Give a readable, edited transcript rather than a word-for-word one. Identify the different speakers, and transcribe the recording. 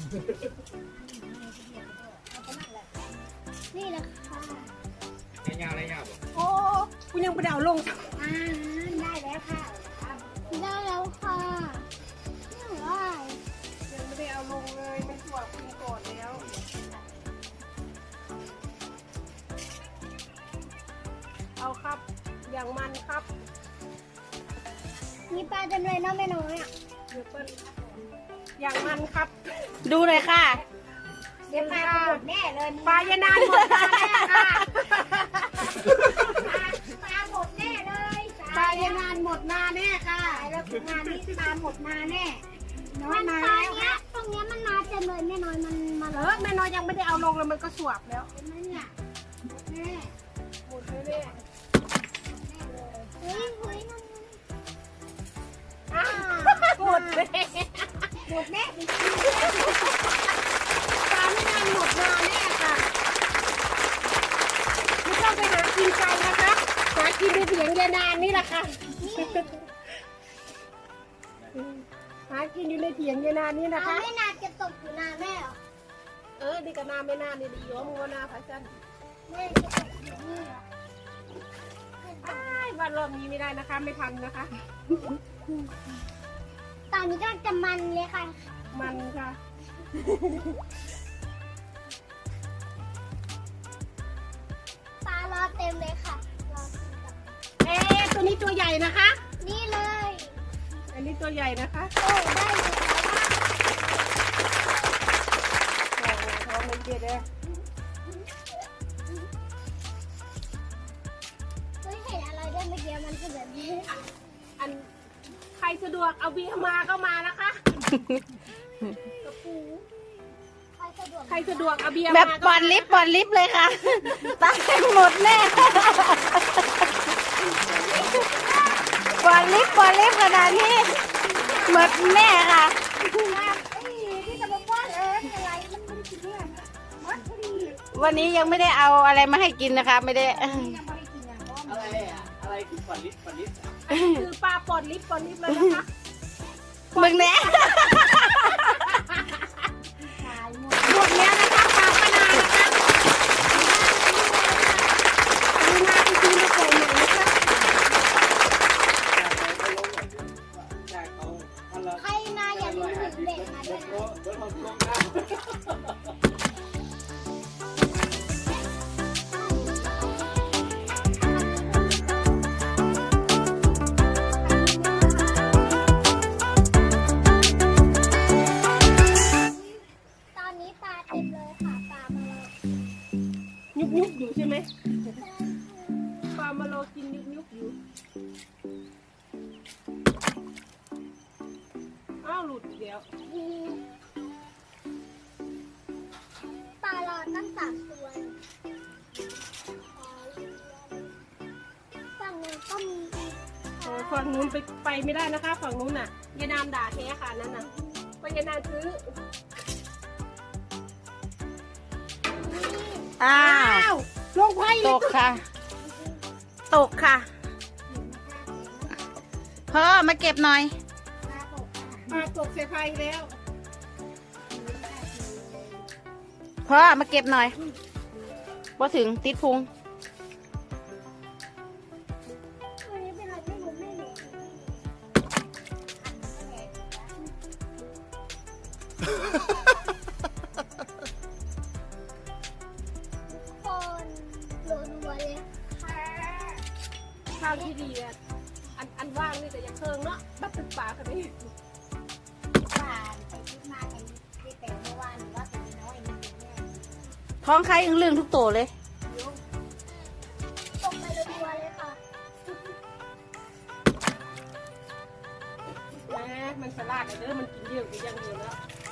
Speaker 1: นี่แหละค่ะ
Speaker 2: ได้ยาวได้ยาวบ่
Speaker 3: โอ้กูยังไม่ได้เอาลง
Speaker 1: ได้แล้วค่ะได้แล้วค่ะว้าย
Speaker 3: ยังไม่ได้เอาลงเลยไม่สวบคุณก่อนแล้วเอาครับอย่างมันครับ
Speaker 1: มีปลาเต็มเลยเนาะแม่น้อยอ่ะ
Speaker 3: เดี๋ยวเปิ้ลอย่างมันครับ
Speaker 4: ดูหน่อยค่ะ
Speaker 1: เดี๋ยวปลาหมดแน่เลย
Speaker 3: ปลายานานหมดมาแน่ค่ะ
Speaker 1: ปลาหมดแน่เลย
Speaker 3: ปลายานานหมดมาแน่ค่ะ
Speaker 1: แล้วงานนี้ปลาหมดมาแน่
Speaker 3: น้อยมา
Speaker 1: ตอน
Speaker 3: แล้ว
Speaker 1: เนี้ยตรงเนี้ยมันมาเต็มเลยแม่น้อยมันมา
Speaker 3: เอ
Speaker 1: เล
Speaker 3: อย แม่น้อยยังไม่ได้เอาลงเลยมันก็สวบแล้ว
Speaker 1: เห็นไหมเนี่ยแม่
Speaker 3: หมดเลยเนี่ย
Speaker 1: เฮ้ยเฮ้ยนั่น
Speaker 3: อ้าวหมดเลย
Speaker 1: หมดแน่จริง
Speaker 3: ปลาไม่นานหมดมาแน่ค่ะไม่ต้องไปหากินไกลนะคะหากินในเถียงยานานนี่แหละค่ะหากินอยู่ในเถียงยานานนี่
Speaker 1: ๆ
Speaker 3: นะ
Speaker 1: เอา
Speaker 3: คะ
Speaker 1: ไม่นานจะตกอยู่นานแม่เหรอ
Speaker 3: ดีกับนาไม่นานนี่ดีอยู่ว่ามึงว่านาพระจันทร์
Speaker 1: แม่จะตกอยู่นี่เหรอ
Speaker 3: วันรอบนี้ไม่ได้นะคะ ไม่ทันนะคะ
Speaker 1: ตอนนี้ก็จะมันเลยค่ะ
Speaker 3: มันค่ะ
Speaker 1: ปลารอเต็มเลยค่ะรอกินกับ
Speaker 3: ตัวนี้ตัวใหญ่นะคะ
Speaker 1: นี่เลย
Speaker 3: อันนี้ตัวใหญ่นะคะ
Speaker 1: โอ้ได้อยู่แล้ว
Speaker 3: ท้องมันเจ็ดเลย
Speaker 1: เฮ้ยเห็นอะไรด้วยเมื่อกี้มันคือแบบนี้
Speaker 3: อันใครสะดวกเอาเบียร์มาก็มานะคะ
Speaker 1: กระปูใครสะดวก
Speaker 3: ใครสะดวกเอาเบียร์
Speaker 4: แบ
Speaker 3: มา
Speaker 4: บปอนลิฟต์ปอนลิฟต์เลยค่ะ ตายหมดแน่ปอนลิฟต์ปอนลิฟต์ขนาดนี้หมดแน่ค่ะ
Speaker 1: ที่จะมาป้อนอะไรมันไม่ได้กินเนี่ยมัดพอดี
Speaker 4: วันนี้ยังไม่ได้เอาอะไรมาให้กินนะคะ ไม่ได้
Speaker 1: ยังไม่ได้กินอย่างว่า
Speaker 2: อะไรอ่ะอะไรคือฝันลิฟต์ฝันลิฟต์อ่ะ
Speaker 3: คือปลาปอดลิฟต์เลยนะคะ
Speaker 4: มึงแน่
Speaker 1: ขายหมด
Speaker 3: หมดแล้วนะคะปลาปนานะคะดูนาไปซื้อมาใส่ใหม่นะคะ
Speaker 2: จากเขาพันละ
Speaker 1: ใครมาอย่าลืมถึงเด็กมาด้วยนะ
Speaker 2: รถเราลงน้ำ
Speaker 1: ตอนนี้ปลาเต็มเลยค่ะปลามาเลย
Speaker 3: ยุบอยู่ใช่ไหมปลามาโลกินยุบอยู่อ้าวหลุดอีกแล้ว
Speaker 1: ปลาเราตั้ง3 ตัวฝั่งนึงก็มีอีก
Speaker 3: ฝั่งนู้นไปไม่ได้นะคะ ฝั่งนู้นน่ะยานามด่าแท้ค่ะนั่นน่ะไปยานามซื้อ
Speaker 4: อ้าว
Speaker 3: ลงไพ่
Speaker 4: ตกค่ะ ตกค่ะพ่อมาเก็บหน่อย
Speaker 1: ปลาตกค่ะ
Speaker 3: มาตกเสียไพ่แล้ว
Speaker 4: พ่อมาเก็บหน่อยพอถึงติดพุง
Speaker 1: วันนี้เป็นอะไรที่ผมไม่เห็นคนรัวๆเลยค่ะ
Speaker 3: ข้าวที่ดีอ่ะอันว่างนี่แต่ยังเคิงเนาะบัดตึกป่าค่ะนี่
Speaker 1: ป่านไปคิดมากันที่แต่เมื่อวานว่าเป็นน้อยนิดแน่
Speaker 4: ท้องใครอึ้งเรื่องทุกตัวเลย
Speaker 1: ตกไปรัวๆเลยค่ะ
Speaker 3: แหมมันสลัดเด้อมันกินเยอะอยู่อย่างเดียวแล้ว
Speaker 1: อ